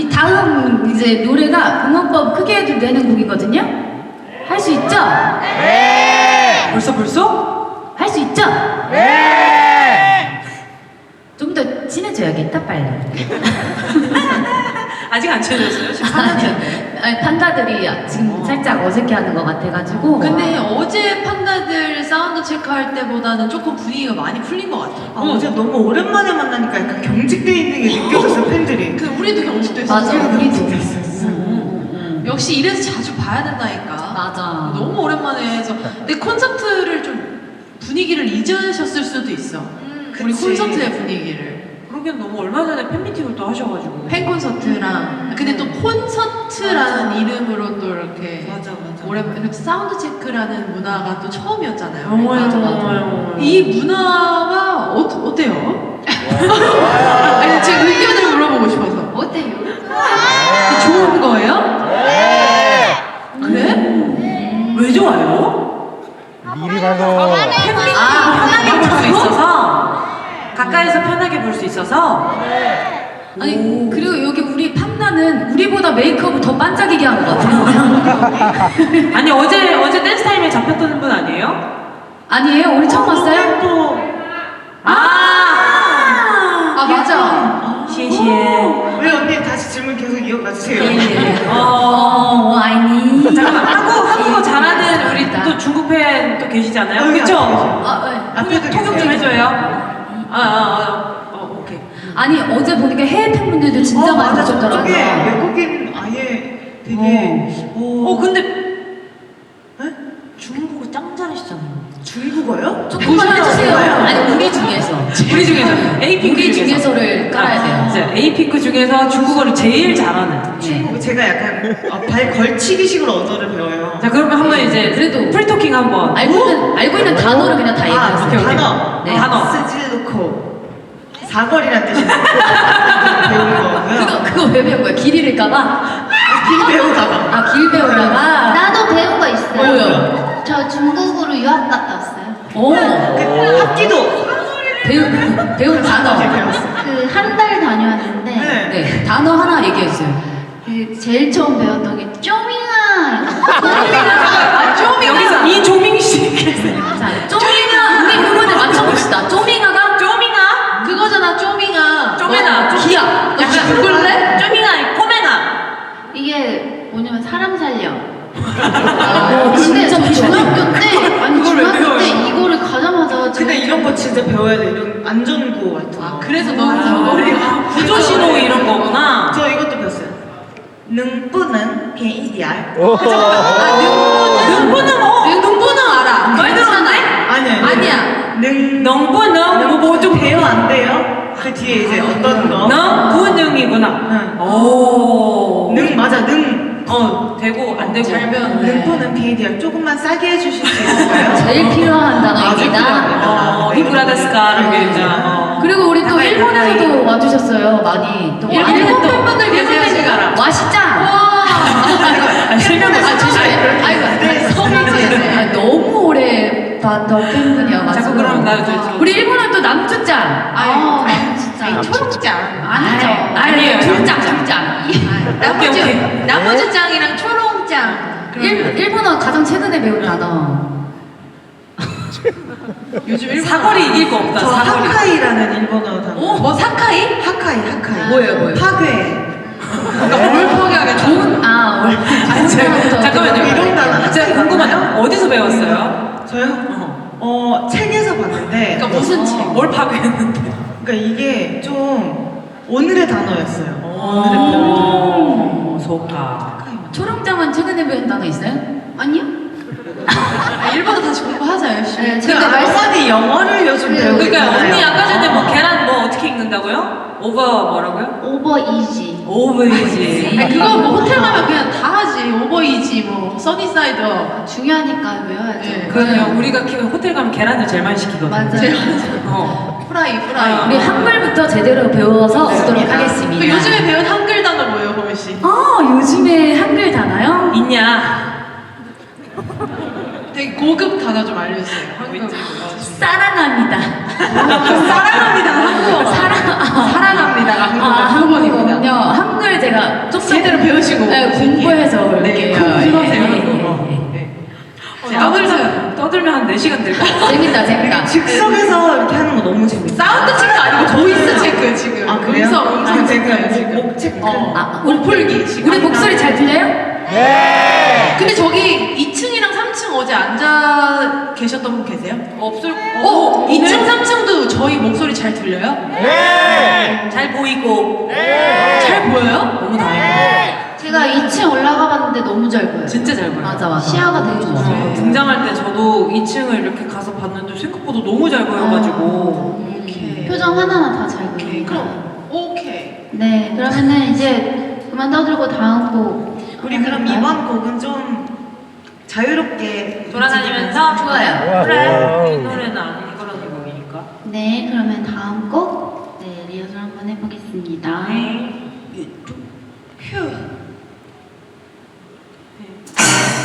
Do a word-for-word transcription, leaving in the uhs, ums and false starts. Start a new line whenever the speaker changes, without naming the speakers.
이 다음 이제 노래가 공원법 크게 해도 되는 곡이거든요. 할 수 있죠?
네.
벌써 벌써?
할 수 있죠?
네.
좀 더 친해져야겠다 빨리.
아직 안 친해졌어요? 지금
아니, 판다들이 지금
어.
살짝 어색해하는 것 같아가지고.
근데 어제 판다들 사운드 체크할 때보다는 조금 분위기가 많이 풀린 것 같아요.
아, 어제 너무 오랜만에 만나니까 약간 경직돼 있는 게 느껴졌어요, 팬들이.
그 우리도 경직도
맞아,
했었죠.
우리도.
경직됐었어.
역시 이래서 자주 봐야 된다니까.
맞아.
너무 오랜만에 해서. 근데 콘서트를 좀 분위기를 잊으셨을 수도 있어. 우리
그치.
콘서트의 분위기를.
그러기엔 너무 얼마 전에 팬미팅을 또 하셔가지고.
팬 콘서트랑. 근데 또 콘서트라는
맞아.
이름으로 또 이렇게.
맞아, 맞아.
오랜만에 사운드 체크라는 문화가 또 처음이었잖아요.
어머요,
맞아, 맞아.
어머요.
이 문화가 어, 어때요? 아니 제 의견을 물어보고 싶어서 어때요? 좋은 거예요?
네.
그래?
왜 좋아요?
미리 가서
팬미팅 편하게 볼 수 있어서 가까이서 편하게 볼 수 있어서
아니 그리고 여기 우리 판다는 우리보다 메이크업을 더 반짝이게 한 것 같아요.
아니 어제 어제 댄스 타임에 잡혔던 분 아니에요?
아니에요? 우리 처음 봤어요?
또
아,
아 맞아.
시시해.
왜 언니 다시 질문 계속 이어가 주세요.
어,
어, 아니.
잠깐만 한국 한국어 잘하는 우리 또 중국 팬 또 계시잖아요.
여기
그쵸?
앞에 계세요.
아, 네.
앞에도
통역 좀
계세요.
해줘요. 아, 아, 아, 어, 오케이.
아니 어제 보니까 해외 팬분들도 진짜
어,
많이
맞아.
오셨더라고요.
저쪽에 외국인 아예 되게 어,
어, 근데
네?
중국어 짱 잘하시잖아요.
중국어요?
조금만 해주세요. 아니 우리 중에서.
우리 중에서 에이핑크
우리 중에서를 깔아야 돼요.
이제 에이핑크 중에서 중국어를 제일 잘하는.
네.
중국 제가 약간 어, 발 걸치기식으로 언어를 배워요.
자, 그러면 한번 이제
그래도
풀토킹 한번.
알고 있는 알고 있는 단어를 그냥 다
아,
얘기하세요.
오케이, 오케이.
단어.
네.
단어.
스즈루코. 사거리란 뜻인데 배운 거고요.
그거 그거 왜 배운 거야? 길 잃을까봐?
길 배우다가.
아 길 배우다가.
나도 배운 거 있어요.
뭐요?
저 중국으로 유학 갔다 왔어요.
오
그 합기도
배운 배운 단어.
이렇게 배웠어.
그 한 달 다녀왔는데
네.
네 단어 하나 얘기해 주세요.
그 제일 처음 배웠던 게 쪼밍아.
아 쪼밍아.
여기서 이조민 씨.
자 쪼밍아 우리 그거를 맞춰봅시다. 쪼밍아가
쪼밍아?
그거잖아 쪼밍아.
쪼매나.
너 기야. 너
약간
죽을래?
쪼밍아, 꼬매나.
이게 뭐냐면 사람 살려.
어,
근데
진짜
저
좋아.
중학교 때 아니
그걸 왜
중학교
배워요?
때 이거를 가자마자
근데
제가
이런 거 진짜 배워야 돼. 이런 안전구호 같은 거.
아 그래서 너는 사거리가
구조 신호 이런 거구나.
저 이것도 배웠어요. 능뿌는 개이디알.
능부는 어?
눈보는 알아.
많이 들었는데?
아니에요.
아니야.
능
능부능 뭐좀
배워 안 돼요? 그 뒤에 이제 어떤 거?
능부능이구나.
응.
오.
능 맞아 능.
어 되고 안 되고.
잘 배웠네.
능뿌는 개이디알. 조금만 싸게 해주실 수 있을까요?
제일 필요한
아주
단어입니다.
필요합니다.
어, 히브라다스카 이렇게
네.
진짜. 어.
그리고 우리 또
가까이,
일본에서도 와주셨어요. 많이. 또
일본
일본
팬분들 계세요, 제가.
와시짱.
아, 실명을
아 조심해. 아이고
네,
성인지. 아, 너무 오래 봤던 팬분이어가지고.
자꾸 그러면 나 저, 저.
우리 일본은 또 남주짱.
아, 난 진짜
아니, 초록장.
아니죠.
아니에요.
둘짱, 둘짱.
나머지
오케이, 오케이.
나머지 짱이랑 초롱짱.
일, 일본어 가장 최근에 배운 단어.
요즘 일본
사거리 이길 거 없다.
저
사거리.
하카이라는 일본어 단어.
어? 뭐 사카이?
하카이 하카이.
뭐예요, 뭐예요?
파괴.
그러니까 뭘 포기하게
좋은 아 원래.
아니, 제가- 잠깐만요.
이런 단어
제가 궁금하다. 어디서 배웠어요?
저요?
어.
어 책에서 봤는데.
그러니까 무슨 책?
뭘 파괴했는데?
그러니까 이게 좀 오늘의 단어였어요. 오늘의
오,
표현.
좋다.
초롱짱은 최근에 배운 단어 있어요?
아니요?
아, 일본어 다시 공부하자 열심히.
네,
근데
제가 말씀
어머니 영어를 요즘
네,
배우고
그러니까
있잖아요.
언니 아까 전에 뭐 계란 뭐 어떻게 읽는다고요? 오버 뭐라고요?
오버 이지.
오버이지.
아니, 그거 뭐 호텔 가면 그냥 다 하지. 오버이지 뭐 써니사이드.
중요하니까 외워야죠.
네.
그럼요. 우리가 키- 호텔 가면 계란을 제일 많이 시키거든요.
맞아요.
어.
프라이 프라이.
아,
우리 한글부터 제대로 배워서 오도록
그
하겠습니다.
요즘에 배운 한글 단어 뭐예요, 보미 씨?
아 요즘에 한글 단어요?
있냐?
되게 고급 단어 좀 알려주세요. 한글.
있지.
사랑합니다.
사랑합니다. 한국어.
사랑
사랑합니다.
아,
한국어.
한국어는요. 한글 제가
시간 될 것 같아요.
재밌다, 재밌다.
즉석에서 이렇게 하는 거 너무 재밌어요.
사운드 체크 아니고 보이스 체크 지금.
아, 그래요?
음성, 음성
아,
체크예요
목-
지금.
목 체크.
어,
아,
목 풀기 지금.
우리 목소리 잘 들려요?
네.
근데 저기 이 층이랑 삼 층 어제 앉아 계셨던 분 계세요? 없을. 어, 이 층, 삼 층도 저희 목소리 잘 들려요?
네.
잘 보이고
잘 보여요?
너무 다행이에요.
제가 이 층 올라가 봤는데 너무 잘 보여요.
진짜 잘 보여요.
맞아, 맞아.
시야가 되게 좋아요.
등장할 때 저도 이 층을 이렇게 가서 봤는데 생각보다 너무 잘 보여가지고
오케이.
표정 하나하나 다 잘
오케이.
보여요.
그럼 오케이.
네, 그러면은 이제 그만 떠들고 다음 곡.
우리 그럼 이번 곡은 좀 자유롭게
돌아다니면서
좋아요.
좋아,
그래
좋아.
이 노래는 안 그런 곡이니까.
네, 그러면 다음 곡. 네, 리허설 한번 해보겠습니다.
네.
휴.